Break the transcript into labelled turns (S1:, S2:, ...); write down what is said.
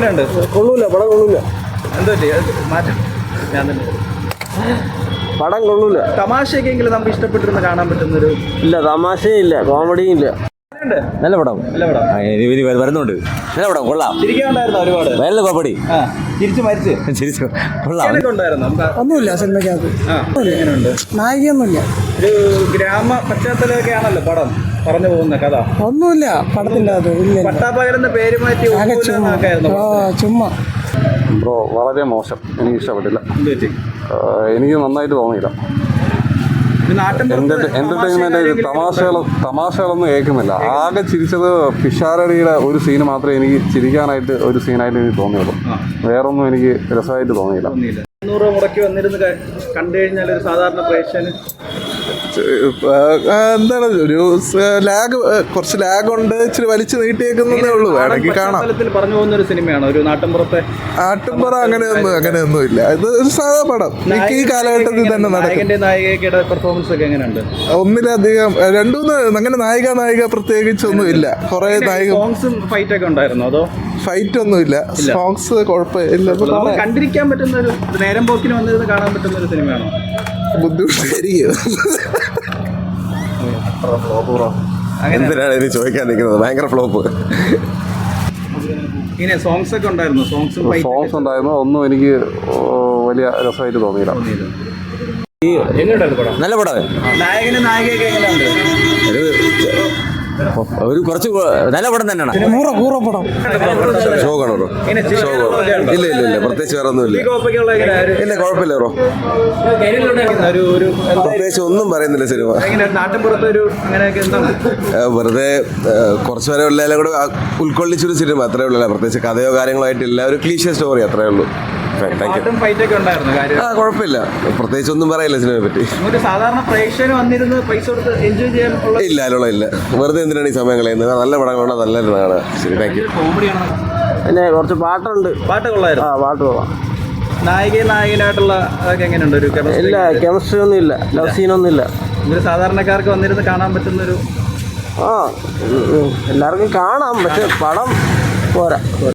S1: കൊള്ളൂല, പടം കൊള്ളൂല.
S2: എന്തോ മാറ്റം ഞാൻ തന്നെ
S1: പടം കൊള്ളൂല.
S2: തമാശയൊക്കെയെങ്കിലും നമുക്ക് ഇഷ്ടപ്പെട്ടിരുന്ന് കാണാൻ പറ്റുന്നൊരു
S1: ഇല്ല, തമാശയും ഇല്ല, കോമഡിയും ഇല്ല.
S3: നല്ല പടം,
S2: നല്ല പടം
S3: വരുന്നുണ്ട്. നല്ല പടം, കൊള്ളാം.
S2: ചിരിക്കാനുണ്ടായിരുന്നു ഒരുപാട്.
S3: നല്ല കോമഡി.
S2: ചിരിച്ചു മരിച്ച്
S3: ചിരിച്ചു, കൊള്ളാം.
S2: ഉണ്ടായിരുന്നു നമുക്ക്.
S4: ഒന്നുമില്ല സിനിമയ്ക്കകത്ത്.
S2: എങ്ങനെയുണ്ട്?
S4: നായികയൊന്നുമില്ല.
S2: ഒരു ഗ്രാമ പശ്ചാത്തലമൊക്കെ ആണല്ലോ പടം പറഞ്ഞു പോകുന്ന കഥ.
S4: ഒന്നുമില്ല പടത്തിൻ്റെ അത്. ഇല്ല,
S2: പട്ടാപ്പകരെന്ന പേര് മാറ്റി
S4: ചുമ്മാ.
S5: ബ്രോ വളരെ മോശം, എനിക്ക് ഇഷ്ടപ്പെട്ടില്ല.
S2: എന്ത്
S5: എനിക്ക് നന്നായിട്ട് തോന്നിയില്ല. എന്റർടൈൻമെന്റ് തമാശകളൊന്നും കേൾക്കുന്നില്ല. ആകെ ചിരിച്ചത് പിഷാരടിയുടെ ഒരു സീന് മാത്രമേ എനിക്ക് ചിരിക്കാനായിട്ട് ഒരു സീനായിട്ട് എനിക്ക് തോന്നിയുള്ളൂ. വേറൊന്നും എനിക്ക് രസമായിട്ട് തോന്നിയില്ല.
S2: 200 മുടക്കി വന്നിരുന്ന് കണ്ടു കഴിഞ്ഞാൽ ഒരു സാധാരണ പ്രേക്ഷകന്
S6: എന്താണ് ഒരു ലാഗ്, കുറച്ച് ലാഗ് ഉണ്ട്, ഇച്ചിരി വലിച്ചു നീട്ടിയേക്കുന്നതേ ഉള്ളൂ. വേണമെങ്കിൽ കാണാം.
S2: പറഞ്ഞു പോകുന്ന ഒരു സിനിമയാണ് ഒരു നാട്ടിൻപുറത്തെ.
S6: നാട്ടിൻപുറം അങ്ങനെയൊന്നും ഇല്ല. ഇത് ഒരു സാധാ പടം. ഈ കാലഘട്ടത്തിൽ തന്നെ നടക്കും.
S2: നായികയുടെ പെർഫോമൻസ് ഒക്കെ എങ്ങനെയുണ്ട്?
S6: ഒന്നിലധികം രണ്ടൂന്ന് അങ്ങനെ നായിക പ്രത്യേകിച്ചൊന്നും ഇല്ല. കുറെ നായിക
S2: സോങ്സും ഫൈറ്റ് ഒക്കെ ഉണ്ടായിരുന്നു. അതോ
S6: ഫൈറ്റ് ഒന്നുമില്ല, സോങ്സ് കുഴപ്പമില്ല.
S2: കണ്ടിരിക്കാൻ പറ്റുന്ന ഒരു നേരം പോക്കിന് വന്നിരുന്ന് കാണാൻ പറ്റുന്ന ഒരു സിനിമയാണോ?
S6: ബുദ്ധിമുട്ടായിരിക്കും.
S5: എന്തിനാണ് ഇത് ചോദിക്കാൻ നിൽക്കുന്നത്? ഭയങ്കര ഫ്ലോപ്പ്.
S2: ഇങ്ങനെ സോങ്സ് ഒക്കെ ഉണ്ടായിരുന്നു.
S5: സോങ്സ് ഉണ്ടായിരുന്നു, ഒന്നും എനിക്ക് വലിയ രസമായിട്ട് തോന്നിയില്ല.
S3: നല്ല പടം.
S2: നായകനും നായികയൊക്കെ എങ്ങനെയുണ്ട്?
S3: ഒരു കുറച്ച് നല്ല പടം തന്നെയാണ്.
S4: പടം
S5: ഷോ കാണോ? ഇല്ല, പ്രത്യേകിച്ച് വേറെ ഒന്നും ഇല്ല. ഇല്ല, കുഴപ്പമില്ല ബ്രോ. പ്രത്യേകിച്ച് ഒന്നും പറയുന്നില്ല സിനിമ. വെറുതെ കുറച്ച് വരെ ഉള്ളതിലും കൂടെ ഉൾക്കൊള്ളിച്ചൊരു സിനിമ, അത്രേ ഉള്ളൂ. പ്രത്യേകിച്ച് കഥയോ കാര്യങ്ങളോ ആയിട്ടില്ല. ഒരു ക്ലീഷ്യ സ്റ്റോറി, അത്രേ ഉള്ളൂ. കുഴപ്പമില്ല, പ്രത്യേകിച്ച് ഒന്നും പറയില്ല സിനിമയെ പറ്റി. ഇല്ല, വെറുതെ എന്തിനാണ് ഈ സമയം കളയുന്നത്? നല്ല പടങ്ങളുണ്ട്, നല്ല കാണുക. ശരി, താങ്ക് യു.
S1: പിന്നെ കുറച്ച് പാട്ടുണ്ട്.
S2: പാട്ട് കൊള്ളായിരുന്നു.
S1: പാട്ട് കൊള്ളാം.
S2: നായകനായിട്ടുള്ള അതൊക്കെ എങ്ങനെയുണ്ട്? ഒരു
S1: ഇല്ല, കെമിസ്ട്രി ഒന്നും ഇല്ല, ലവ് സീനൊന്നും ഇല്ല.
S2: ഒരു സാധാരണക്കാർക്ക് വന്നിരുന്ന് കാണാൻ പറ്റുന്നൊരു
S1: എല്ലാവർക്കും കാണാം, പക്ഷെ പടം പോരാ.